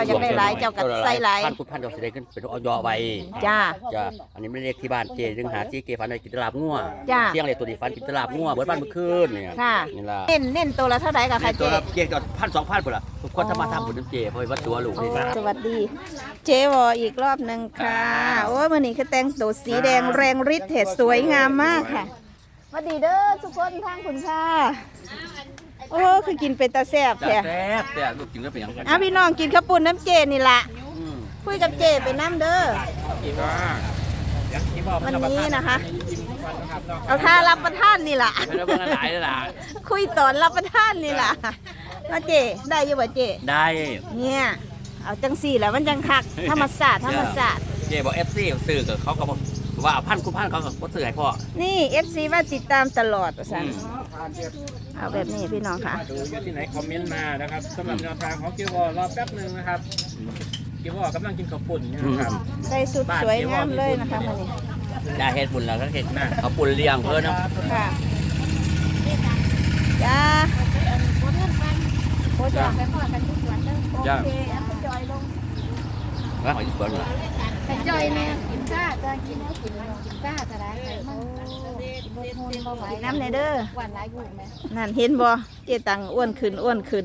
าอยากได้หลายเจ้าก็ใส่หลายพันคุณพันเจ้าสิได้ขึ้นเป็นออยไว้จ้าจ้าอันนี้ไม่เรียกที่บ้านเจดึงหาเจเกฟันได้กินตลาบงัวจ้าเสี่ยงเลยตัวนี้ฟันกินตลาบงัวเบิดบ้านเมื่อคืนเนี่ยค่ะนี่ล่ะเน้นตัวละเท่าไหร่กับค่ะตัวเจ๊ละเกียงก็1,000-2,000พุ่นล่ะทุกคนจะมาทำบุญน้ำเจเพราะว่าตัวลูกโอ้นี่นะสวัสดี เจ๊วออีกรอบหนึ่งค่ะโอ้ยวันนี้คือแต่งตัวสีแดงแรงฤทธิ์เห็ดสวยงามมากค่ะสวัสดีเด้อทุกคนทางคุณค่ะโอ้คือกินเป็นตาแซ่บจ้าแท้แซ่บแต่ลูกกินก็เป็นอย่างนั้นเอาพี่น้องกินข้าวปุ้นน้ำเจนี่ละอืมคุยกับเจไปน้ำเด้อวันนี้นะคะ เอาท่ารับประทานนี่ล่ะไม่ได้เบิ่งหลายเลยล่ะคุยตอนรับประทานนี่ล่ะว่าเจได้อยังบ่เจได้เนี่ยเอาจังสี่แหละมันจังคักธรรมศาสตร์ธรรมศาสตร์เจบอก FC ซื้อกับเขาก็บอกว่าพันคุณพันเขาก็บ่ซื้อให้พ่อนี่ FC ว่าติดตามตลอดว่าซั่นอืมเอาแบบนี้พี่น้องค่ะดูอยู่ที่ไหนคอมเมนต์มานะครับสำหรับแนวทางของเกียววอรอแป๊บหนึ่งนะครับเกียววอกำลังกินข้าวปุ่นอยู่นะครับใส่สุดสวยงามเลยนะคะวันนี้ได้เฮ็ดบุญแล้วก็เฮ็ดนะเขาปุ่นเลี้ยงเพิ่นเนาะค่ะจ้าโอ้จ้าจ้าโอเคเอาไปจอยลงว่าเขาอยู่สวนน่ะแต่จอยเนี่ยกินข้าจะกินก็กินข้าจะได้ไขมันบดมูลบ่ไหวน้ำในเด้อหวานหลายอยู่ไหมนั่นเห็นบ่เจตังอ้วนขึ้นอ้วนขึ้น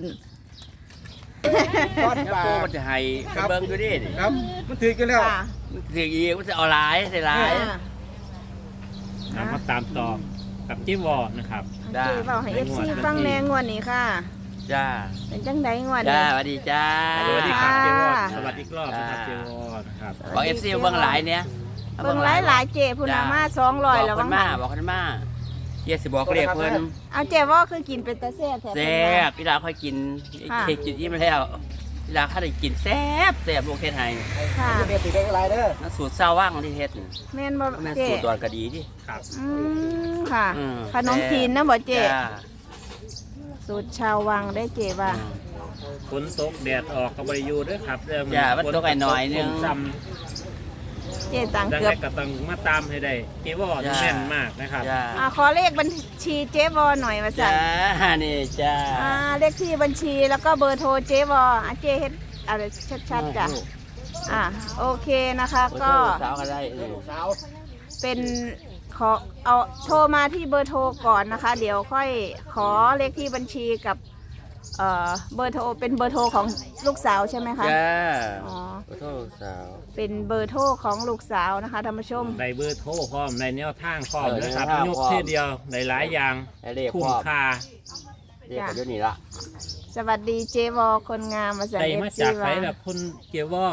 ก้อนแล้วปลาโปมันจะให้ไปเบิ่งอยู่ดินี่ครับมันถือกันแล้วค่ะมันสิอีกมันจะเอาหลายใส่หลายมาตามต่อกับเกียววอนะครับจ้าเจ๊เบาให้ FC ฟังแนงงวดนี้ค่ะจ้าเป็นจังไดงวดจ้านี้สวัสดีจ้าสวัสดีครับค่ะเกียววอสวัสดีอีกรอบนะครับเกียววอนะครับบอก FC เบิ่งหลายเนี่ยเบิ่งหลายๆเจพุ่นน่ะมา200แล้วบอกมั้เพิ่งนมาบอกเพิ่นมาเฮียสิบอกเรียกเพิ่นเอาเจว่าคือกินเป็นตาแซ่บแท้แซ่บพี่ดาค่อยกินค่ะเค้กกินอิ่มแล้วพี่ดาค่าได้กินแซ่บแซ่บลูกเฮ็ดให้ค่ะเบียร์ติดได้อะไรเด้อนั่นสูตรเศร้าว่างที่เฮ็ดนี่แม่นบ่แม่นเจสูตรดอนก็ดีดิครับอืมค่ะอืมขนมจีนนะบ่เจจ้าสูตรชาววังได้เจว่าอืมฝนตกแดดออกกับบริยูด้วยครับเริ่มจ้ะมันตกหน่อยๆนึงซ้เจตังำดังเกือบนั้นก็ต้องมาตามให้ได้เกียววอแม่นมากนะครับจ้าขอเลขบัญชีเจวอหน่อยมาสั่จ้าน นี่จ้าเลขที่บัญชีแล้วก็เบอร์โทรเจวอเจเฮ็ดอะไรชัดๆจ้ะโอเคนะคะก็สาวก็ได้สาวเป็นขอเอาโทรมาที่เบอร์โทรก่อนนะคะ เดี๋ยวค่อยขอเลขที่บัญชีกับเบอร์โทรเป็นเบอร์โทรของลูกสาวใช่ไหมคะจ้าอ๋อขอโทษสาวเป็นเบอร์โทรของลูกสาวนะคะท่านผู้ชมในเบอร์โทรพร้อมในแนวทางพร้อมเออนะครับแนวทางยกพร้อมเท่เดียวในหลายอย่างให้เรียกคุ้พ่มอค่าเรียกกันเดี๋ยวนี้ละสวัสดีเจวอคนงามมาจากได้เอฟมาซีจากไสว่าแบบคนเกียววอ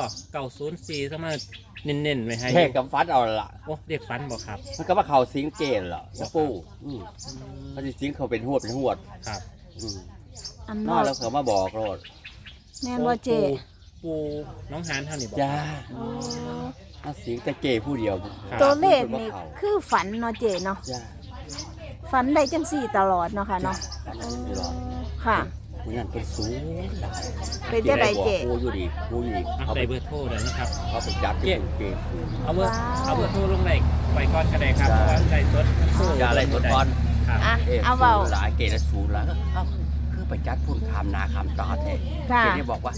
904สมาเน้นๆไว้ให้เทกกับฟัดเอาละโอ้เรียกฟันบอกครับมันก็ว่าเขาสิงเกณฑ์เหรอสปูมันสิสิงเขาเป็นหวดเป็นหวดครับอืมอันนมาอกแล้วเขามาบอกโลดแม่นว่าเจปูน้องหานเท่านี้บอกจ้าโอ้มาสิงแต่เกผู้เดียวครับตัวเลขพิ่นี่ว่าเขาคือฝันเนาะเจเนาะจ้าฝันได้จังสี่ตลอดเนาะค่ะเนาะอันนั้นตลอดค่ะผู้นั้นเป็นสูงหลายเป็นจังไดเจผู้อยู่ดีผู้อยู่ดีเอาเขาใส่ไปเบอร์โทรเดี๋ยวนะครับเขาไปจับที่เกสูงเอาเบอร์ว้าวเอาเบอร์โทรลงไหนไว้ก่อนก็ได้ครับได้เพราะว่าใส่สดมันสู้อย่าอะไรตัวตอนครับอ่ะเอ๊ะเอาเบาสูงหลายเกละสูงหลายก็เอ้าคือไปจัดพุ่นคำนาคำตาแท้ค่ะเกนี่บอกว่า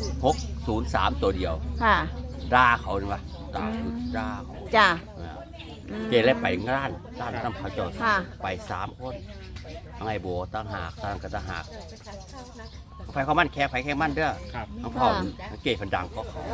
603ตัวเดียวค่ะด่าเขานี่วะด่าคือด่าเขาจ้ะเกเลยไปงานทำเขาเจอค่ะไป3 คนทั้งไอ้โบตั้งหากตั้งกระตะหากไฟเขามันแค่ไฟแค่มันเด้อครับทั้งเขาเกพันดังก็เขา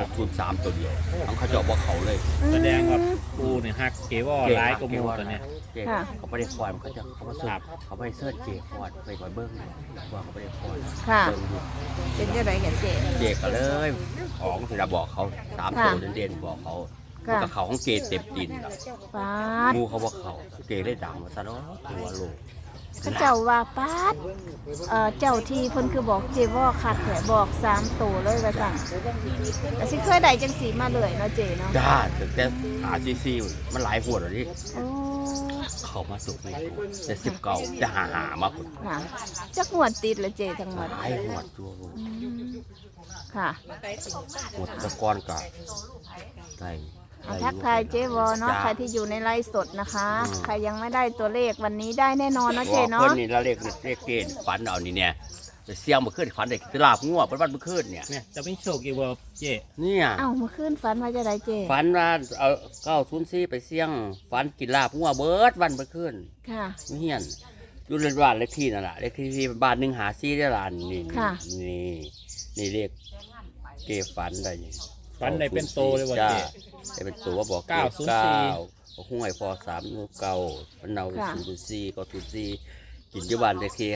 603ตัวเดียวทั้งเขาเจาะบอกเขาเลยแสดงว่าปูเนี่ยฮักเกวอร้ายกว่าหมูตัวเนี้ยเกเขาไม่ได้คอยมันเขาจะเขามาเสิร์ฟเขาไม่ได้เสิร์ฟเกฟอดไปก่อนเบิ้งว่าเขาไม่ได้คอยค่ะเบิ้งอยู่เป็นจังไดกันเจเกก็เลยของสิเราบอกเขา3ตัวเด่นๆบอกเขาค่ะกับเขาของเกเต็มดินล่ะป๊าดงูเขาบอกเขาเกเลยดังมาซะเนาะตัวโลกเขาเจ้าว่าป๊าดเจ้าที่เพิ่นคือบอกเจว่าคักแหละบอก3ตัวเลยว่าสั่งแต่สิเคยได้จังสีมาเลยเนาะเจเนาะจ้าแต่RCC มันหลายหัวแล้วนี่โอ้เขามาสุกในตัวแต่19จะหามาพุ่นค่ะจักงวดติดละเจทั้งหมดหลายหัวตัวโลกอืมค่ะหมดตะกอนกับไก่เอาทักทายเจวอเนาะใครที่อยู่ในไลฟ์สดนะคะ ใครยังไม่ได้ตัวเลขวันนี้ได้แน่นอนเนาะเจว่าเนาะเพิ่นนี่ละเลขเกณฑ์ฝันเอานี่เนี่ยไปเสี่ยงเมื่อคืนฝันได้กินลาบงัววันเมื่อคืนเนี่ยเนี่ยจะไม่โชคอีกบ่เจ๊เนี่ยเอ้าเมื่อคืนฝันว่าจะได้เจฝันว่าเอา904ไปเสี่ยงฝันกินลาบงัวเบิดวันเมื่อคืนค่ะเฮียนอยู่ในบ้านเลขที่นั่นแหละเลขที่บ้าน154ได้ล้านนี่ค่ะนี่เลขเก็บฝันได้ฝันได้เป็นโตเลยบ่จ้าเจ๊ได้เป็นตัวบอก 904 9ห้วยพอ3เก่ามันเอาค่ะ 0.4ก็0.4กินอยู่บ้านเลขที่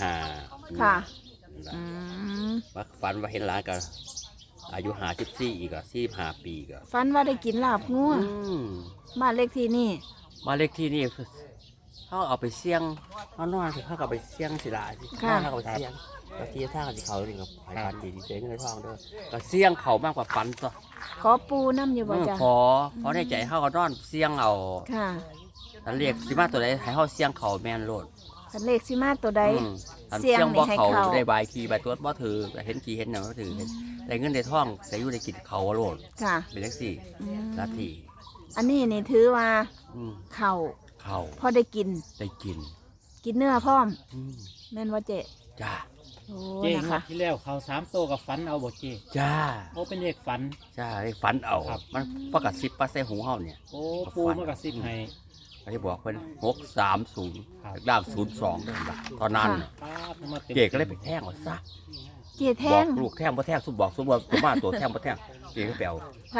55 ค่ะ อืมว่าฝันว่าเห็นหลานกันอายุ54อีกอ่ะ45ปีก็ฝันว่าได้กินลาบงัวบ้านเลขที่นี่มาเลขที่นี่เขาเอาไปเสี่ยงเขานอนเขาเอาไปเสี่ยงสิล่ะเขาเอาไปเสี่ยงก็ที่ท่ากับเขาเองกับไผ่พันดีเจ๊เงินทองเด้อก็เสี่ยงเขามากกว่าฝันตัวขอปูน้ำอยู่บ่จ้ะขอในใจเขาก็นอนเสี่ยงเอาค่ะอันเรียกสิมาตัวใดให้เขาเสี่ยงเขาแม่นโลดคันเลขสิมาตัวใดอันเสี่เสี่ยยงงนี่บ่ให้เขาเขาได้ใบขี่ใบตัวบ่ถือเห็นขี่เห็นหนังบ่ถือได้เงินได้ทองได้อยู่ได้กินเขาโลดค่ะเป็นเลขสี่อืมนาทีอันนี้นี่ถือว่าเข่าเขาพอได้กินได้กินกินเนื้อพร้อม แม่นว่าเจจ้าโอ้เจ๊นะงวคะดที่แล้วเขา3โตกับฝันเอาบ่เจ๊จ้าโอ้เป็นเลขฝันจ้าได้ฝันเอาครับมันประกาศ10%ใส่หูเฮาเนี่ยโอ้ปูมากระซิบให้ก็ที่บอกเพิ่น630 ครับด้าม02เด้อล่ะตอนนั้นป้าบมาต็มเก๋ก็เลยไปแท่งเอาซะเจแทบอกงลูกแท่งบ่แท่งสุบอกสุว่าตัวมาตัวแท่งบ่แท่งเก๋ก็ไปเอาค่ะ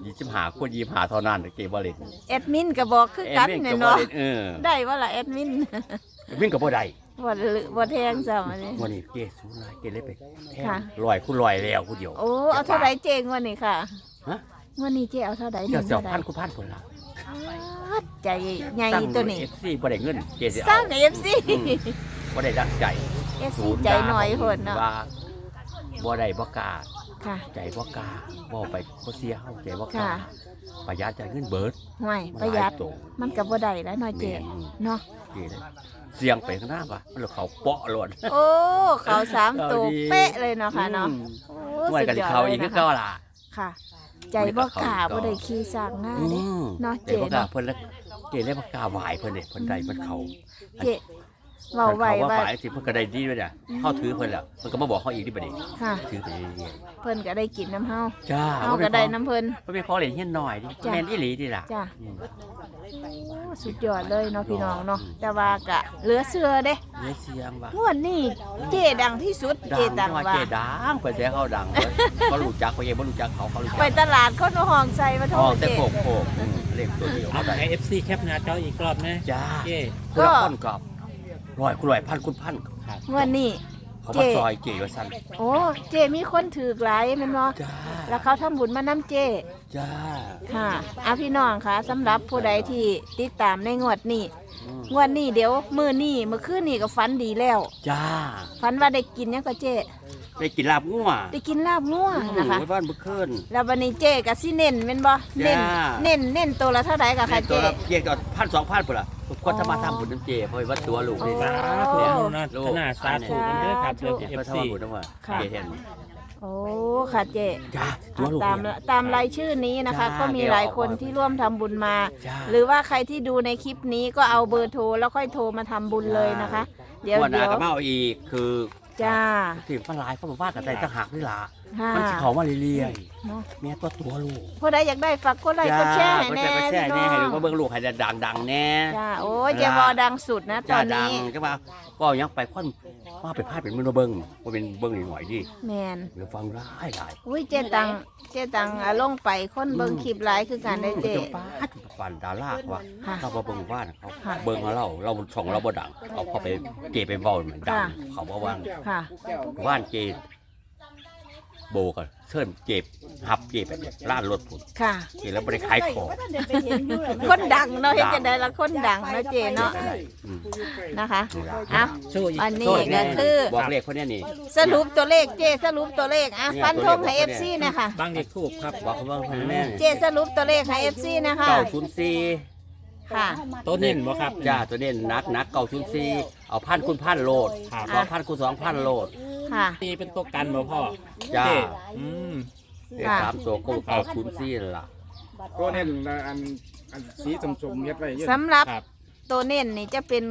25คน25เท่านั้นเก๋บ่เล่นแอดมินก็บอกคือกันเอ็มเนี่ยก็บ่เนาะเล่นได้ว่าล่ะแอดมินวิ่งก็บ่ได้บ่แทงซ้ำอันนี้วันนี้เก๋สูงหลายเก๋เลยไปแท่งค่ะ 100คูณ100แล้วผู้เดียวโอ้เอาเท่าไหร่เจงวันนี้ค่ะฮะวันนี้เจเอาเท่าไหร่เดี๋ยวเท่าไหร่พันคูณพันพุ่นล่ะอ๊าดใจใหญ่ตัวนี้ FC บ่ได้เงินเก๋สิสเอาร้างเอฟซีบ่ได้ดังใจเอฟซีใจหน่อยโหดเนาะว่าบ่ได้บ่กล้าค่ะใจบ่กล้าบ่ไปบ่เสียเฮาใจบ่กล้าค่ะประหยัดจ่ายเงินเบิดห่วยประหยัดตัวมันกับบ่ได้แล้วหน่อยเจเนาะเก๋เลยเสียงไปข้างหน้าว่ะมันเลยเขาเปาะหล่นโอ้เขา3ตัวเป๊ะเลยเนาะค่ะเนาะโอ้ไว้สุดกันยอดเขาเลอียกคืนะอคะเก่าล่ะค่ะ ใจบ่กล้าบ่ได้ขี่สร้างง่ายเด้เนาะเจ๊เจบ่กล้าเนาะเพิ่นเลยเก๋เลยบ่กล้าไหวเพิ่นเด้เพิ่นได้เพิ่นเขาเจเว้าไว้ว่าว่าฝ่ายสิเพิ่นก็ได้ดีด้วยน่ะเฮาถือเพิ่นแล้วเพิ่นก็มาบอกเฮาอีกดิบัดนี้ค่ะถือไปเรื่อยเพิ่นก็ได้กินน้ำเฮาๆจ้าเฮาก็ได้น้ำเพิ่นเพิ่นเป็นของเล่นเฮียนน้อยดิจ้ะแม่นอีหลีดิล่ะจ้ะอืมโอ้สุดยอดเลยเนาะพี่น้องเนาะแต่ว่ากะเหลือเชื่อเด้เฮ้ยเสียงว่ะงวดนี้เจดังที่สุดเจดัดังงว่าว่าเจ๊ดังเพิ่นแต่เขาดังบ่รู้จักเขาเองบ่รู้จักเขารู้จัไปกตลาดคนเอาห้องใส่มาโทอ๋อษแต่เจโคกเลขตัวเดียวเอาได้ให้ FC แคปหน้าจออีกรอบนะจ้าเจ๊คนละคนกับร้อยคุณร้อยพันคุณพันงวดนี้เขามาซอยเก๋ว่าสั่นโอ้เจมีคนถือกหลายแม่นบ่จ้าแล้วเขาทำบุญมานํเจจ้าค่ะเอาพี่น้องค่ะสำหรับผู้ใดที่ติดตามในงวดนี้อืมงวดนี้เดี๋ยวมื้อนี้มื้อคืนนี้ก็ฝันดีแล้วจ้าฝันว่าได้กินหยังก็เจได้กินลาบงัวได้กินลาบงัวนะคะไว้บ้านเมื่อคืนแล้ววันนี้เจก็สิเน้นแม่นบ่เน้นจ้าเน้นตัวละเท่าใดก็ในค่ะเจตัวเกี่ยวกับ1,000-2,000ปุ่นล่ะทุกคนถ้ามาทำบุญน้ำเจเพราะว่าตัวลูกนี่โอ้สาธุอนุโมทนาสาธุกันเด้อครับเด้อเนี่ยเขา FC ทำบุญน้ำว่าค่ะเจเห็นโอ้ค่ะเจจ้าตัวลูกตามเนี่ยตามรายชื่อนี้นะคะจ้าก็มีหลายคนที่ร่วมทำบุญมาจ้าหรือว่าใครที่ดูในคลิปนี้ก็เอาเบอร์โทรแล้วค่อยโทรมาทำบุญเลยนะคะ เดี๋ยววันหน้าก็มาเอาอีกคือจ้าสิ่งมันหลายเขาบอกว่ากันได้ต่างหากนี่ล่ะค่ะมันสิเขามาเรื่อยเนาะๆแม่ตัวลูกผู้ใดอยากได้ฝากกดไลค์กดแชร์ให้แน่ก็แชร์พี่แน่น้ให้อดูงก็เบิ่งลูกให้ดังๆแน่จ้าโอ้ยเจวอดังสุดนะตจ้าอนดังนี้ก็ว่าก็ยังไปค่อนว่าไปพายเป็นมือเบิ่งว่าเป็นเบิ่งหน่อยๆดิแมนเดี๋ยวฟังร้ายหลายอุ้ยเจตังลงไปคนเบิ่งคลิปหลายคือการได้เจจะป้าดปันดาราว่าค่ะเราบ่เบิ่งว่าเขาค่ะเบิ่งเราช่องเราบ่ดังเอาเข้าไปเกไปเว้าเหมือนดังค่ะเขาบ่ว่างค่ะว่านเกโบกันเชิญเก็บหับเก็บแบบล้านรถพุ่นค่ะเกแล้วบ่ได้ขายของคนดังเนาะเห็นจะได้ละคนดังเนาะเจเนาะอืมนะคะเอาโชว์อีกอันโทนี้ษแน่ก็คือบอกเลขคนเนี้ยนี่สรุปตัวเลขเจสรุปตัวเลขอ่ะเนี่ยฟันธงให้ตัวเลข FC นะคะบางเด็กถูกครับบอกเขาว่าคนแม่เจสรุปตัวเลขให้ FC นะคะ 904 ค่ะต้นเน้นบ่ครับจ้าตัวเด่นนัก904เอา1,000คูณ1,000โลดครับ 2,000คูณ2,000โลดค่ะนี่เป็นตัวกันบ่พ่อจ้าเจ๊อืมเลข3ตัวก็904นั่นล่ะก็เน้นอันสีสมๆเฮ็ดไว้เยอะสำหรับครับตัวเน้นนี่จะเป็น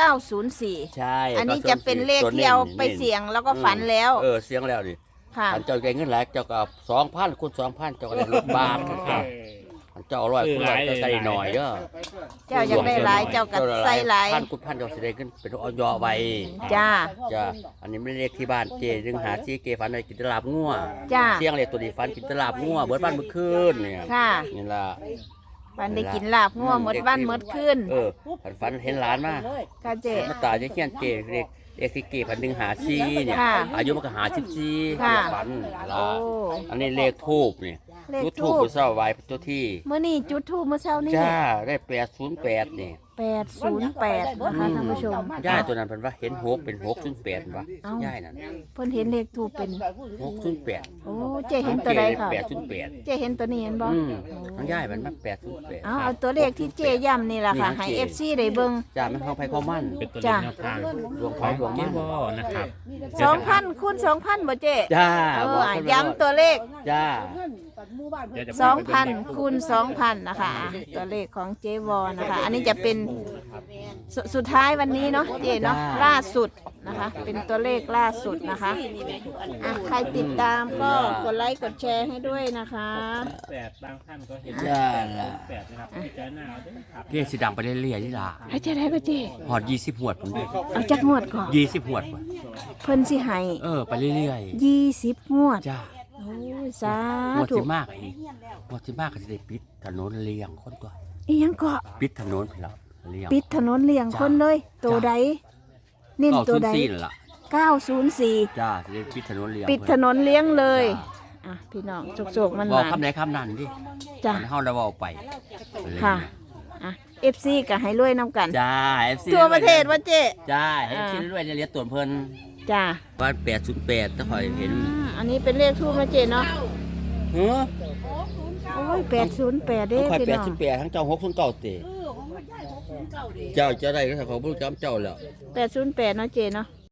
904 ใช่อันนี้จะเป็นเลขที่เอาไปเสี่ยงแล้วก็ฝันแล้วเสียงแล้วนี่ค่ะอันเจ้าได้เงินหลายเจ้าก็2,000คูณ2,000เจ้าก็ได้รถบ้านครับอันเจ้าเอา100คูณ100เจ้าก็ได้หน่อยเด้อเจ้าอยากได้หลายเจ้าก็ใส่หลายพันคูณพันเจ้าสิได้ขึ้นเป็นออยไว้จ้าจ้าอันนี้ไม่ได้เลขที่บ้านเจดึงหาซีเกฝันในกินตลาบงัวจ้าเสียงเลขตัวนี้ฝันกินตลาบงัวเบิดบ้านเมื่อคืนเนี่ยค่ะนี่ล่ะปันได้กินลาบงัวหมดวันหมดคืนฝันเห็นหลานมาค่ะเจ๊มาตายจะเขียนเจเลขที่เกฝันดึงหาซีเนี่ยค่ะอายุมันก็หา14 ค่ะฝันโอ้อันนี้เลขทูบนี่เลขจุดทูทูบบผู้เศร้าไว้เจ้าที่เมื่อนี่จุดทูบเมื่อเช้านี้จ้าได้808นี่ 808นะคะท่านผู้ชมย่ายตัวนั้นเพิ่นว่าเห็น6เป็น608ว่ะเอ้าย่ายนั่นเพิ่นเห็นเลขทูบเป็น 608 โอ้เจ๊เห็นตัวใดค่ะ 808 เจ๊เห็นตัวนี้เห็นบ่ทั้งย่ายมันมา808 เอาตัวเลขที่เจ๊ย้ำนี่แหละค่ะ ให้ FC ได้เบิ่งจ้ามันเข้าไปเข้ามั่นเป็นตัวเลขแนวทางดวงไฟของดวงเกมั่นวอนะครับ 2,000คูณ2,000บ่เจ๊จ้าย้ำตัวเลขจ้าเดี๋ยวจะ 2,000คูณ2,000นะคะตัวเลขของเจวอนะคะ อันนี้จะเป็นสุดท้ายวันนี้เนาะเจเนาะล่าสุดนะคะ เป็นตัวเลขล่าสุดนะคะอ่ะใครติดตามก็กดไลค์กดแชร์ให้ด้วยนะคะ 8บางท่านก็เห็นจ้าล่ะ 8นะครับพิจารณาเอาด้วยครับเรียกสีดังไปเรื่อยๆนี่ล่ะให้เจะได้ก็เจหอด20หวดผมด้วยเอาจักงวดก่อน 20หวดว่ะเพิ่นสิให้ไปเรื่อย 20งวดๆจ้าโอ้ยสาหวดธุที่มากอีกหวดที่มากก็จะได้ปิดถนนเลียงคนตัวอีหยังก็ปิดถนนไปแล้วเลียงปิดถนนเลี่ยงคนเลย ตัวใดนิ่มตัวใด 904นั่นล่ะ 904 จ้าจะได้ปิดถนนเลียงปิดถนนเลี้ยงเลยอ่ะพี่น้องโจกๆมันบอกมาคำไหนคำนั้นดิจ้ะมันเฮาได้เว้าไปค่ะอ่ะ FC ก็ให้รวยน้ำกันจ้า FC ทั่วประเทศว่าเจ๊จ้าให้คิดเรื่อยๆเรียนตัวเพิ่นจ้าบ้าน808ถ้าคอยเห็นอันนี้เป็นเลขทูบนะเจ๊เนาะเฮ้อโอ้ย808เด้คอยพี่น้อง 808ทั้งเจ้า609เตเจ้าจะได้ก็ถ้าเขาบ่รู้จำเจ้าแล้ว 808เนาะเจ๊เนาะ